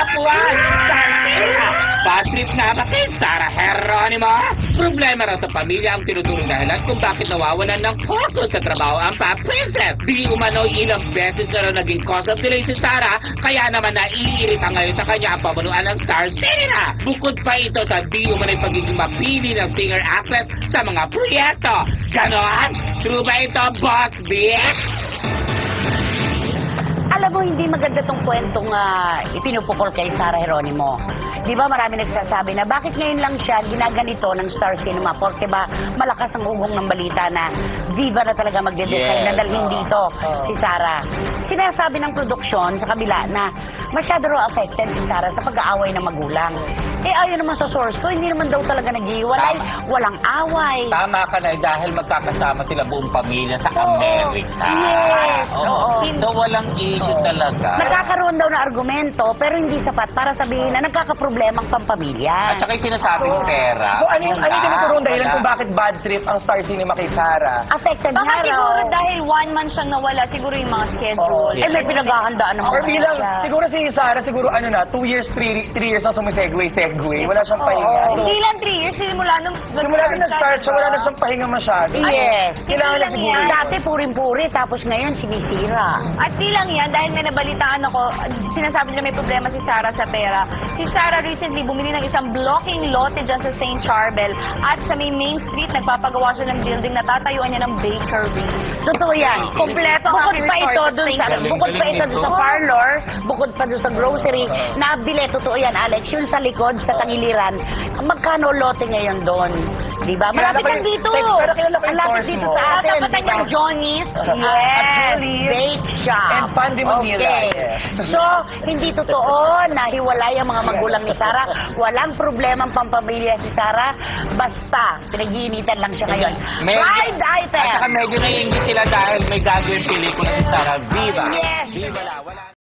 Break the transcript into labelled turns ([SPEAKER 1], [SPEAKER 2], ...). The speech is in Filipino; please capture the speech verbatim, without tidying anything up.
[SPEAKER 1] Kapuan! Santera! Bad trip na ba kay Sarah Geronimo? Problema raw sa pamilya ang tinutulong dahilan kung bakit nawawalan ng focus sa trabaho ang pa-princess. Di umano ilang beses na raw naging cause of delay si Sarah, kaya naman naiirita ngayon sa kanya ang pamunuan ng Star Cinema. Bukod pa ito sa di umano'y pagiging mapili ng singer-actress sa mga proyekto. Ganon? True ba ito, Boss Bitch?
[SPEAKER 2] Alam mo, hindi maganda tong kwentong uh, ipinupukol kay Sarah Geronimo. Di ba marami nagsasabi na bakit ngayon lang siya ginaganito ng Star Cinema? Porque ba malakas ang ugong ng balita na diva na talaga magde-decide
[SPEAKER 1] Yes,
[SPEAKER 2] na dalhin
[SPEAKER 1] oh,
[SPEAKER 2] dito
[SPEAKER 1] oh.
[SPEAKER 2] si Sarah. Sinasabi ng produksyon sa kabila na masyado raw affected si Sarah sa pag-aaway ng magulang. Eh ayon naman sa source ko, hindi naman daw talaga naghihiwalay, walang away.
[SPEAKER 1] Tama ka na dahil magkakasama sila buong pamilya sa
[SPEAKER 2] Oo.
[SPEAKER 1] Amerika.
[SPEAKER 2] Yes, oo.
[SPEAKER 1] So walang issue talaga.
[SPEAKER 2] Nagkakaroon daw na argumento pero hindi sapat para sabihin na nagkakaproblemang pampamilya.
[SPEAKER 1] At saka yung sinasabing pera.
[SPEAKER 3] So, ano yung, ano yung tinuturong dahilan
[SPEAKER 1] Wala.
[SPEAKER 3] kung bakit bad trip ang Star Cinema kay Sarah?
[SPEAKER 2] Affected
[SPEAKER 4] Baka
[SPEAKER 2] nga raw.
[SPEAKER 4] siguro dahil one month siyang nawala, siguro yung mga schedule.
[SPEAKER 2] Eh may pinaghahandaan naman.
[SPEAKER 3] Or bilang,
[SPEAKER 2] siya.
[SPEAKER 3] siguro si Sarah, siguro ano na, two years, three, three years na sumisegway, segway. Wala siyang pahinga. So,
[SPEAKER 4] Hindi lang three years, simula nung
[SPEAKER 3] simula na nag-start siya, wala na siyang pahinga masyado.
[SPEAKER 2] Yes.
[SPEAKER 3] Kailangan na
[SPEAKER 4] Hindi lang
[SPEAKER 3] siguro.
[SPEAKER 4] yan.
[SPEAKER 2] Dati puring-puri, tapos ngayon sinisira.
[SPEAKER 4] At di lang yan, dahil may nabalitaan ako, sinasabi nila may problema si Sarah sa pera. Si Sarah recently bumili ng isang blocking lote dyan sa Saint Charbel at sa may Main Street, nagpapagawa siya ng building na tatayuan niya ng bakery.
[SPEAKER 2] Totoo yan.
[SPEAKER 4] Kompleto ang
[SPEAKER 2] Bukod
[SPEAKER 4] aking
[SPEAKER 2] pa ito
[SPEAKER 4] resort.
[SPEAKER 2] dun sa,
[SPEAKER 1] Galing,
[SPEAKER 2] bukod pa
[SPEAKER 1] galing
[SPEAKER 2] ito dun
[SPEAKER 1] nito.
[SPEAKER 2] sa parlor, bukod pa dun sa grocery, nabili, totoo yan, Alex, yun sa likod, sa tangiliran, magkano lote ngayon doon? Diba? Malapit
[SPEAKER 3] Kilala ko
[SPEAKER 2] lang
[SPEAKER 3] yung-
[SPEAKER 2] dito.
[SPEAKER 3] pero kilala ko yung
[SPEAKER 2] Malapit
[SPEAKER 3] source
[SPEAKER 2] dito
[SPEAKER 3] mo.
[SPEAKER 2] sa atin.
[SPEAKER 4] Tatapatan
[SPEAKER 2] diba?
[SPEAKER 4] niyang Johnny's.
[SPEAKER 2] Yes,
[SPEAKER 3] Actually,
[SPEAKER 2] bake shop.
[SPEAKER 3] and Pandy Manila,
[SPEAKER 2] Okay.
[SPEAKER 3] yes.
[SPEAKER 2] So, hindi totoo na hiwalay ang mga magulang ni Sarah. Walang problema ang pampamilya si Sarah. Basta, pinag-iinitan lang siya ngayon.
[SPEAKER 1] Medyo-
[SPEAKER 2] Blind item!
[SPEAKER 1] At saka medyo naiingit sila dahil may gagawin pelikula si Sarah Viva.
[SPEAKER 2] Yes.
[SPEAKER 1] Viva la, wala.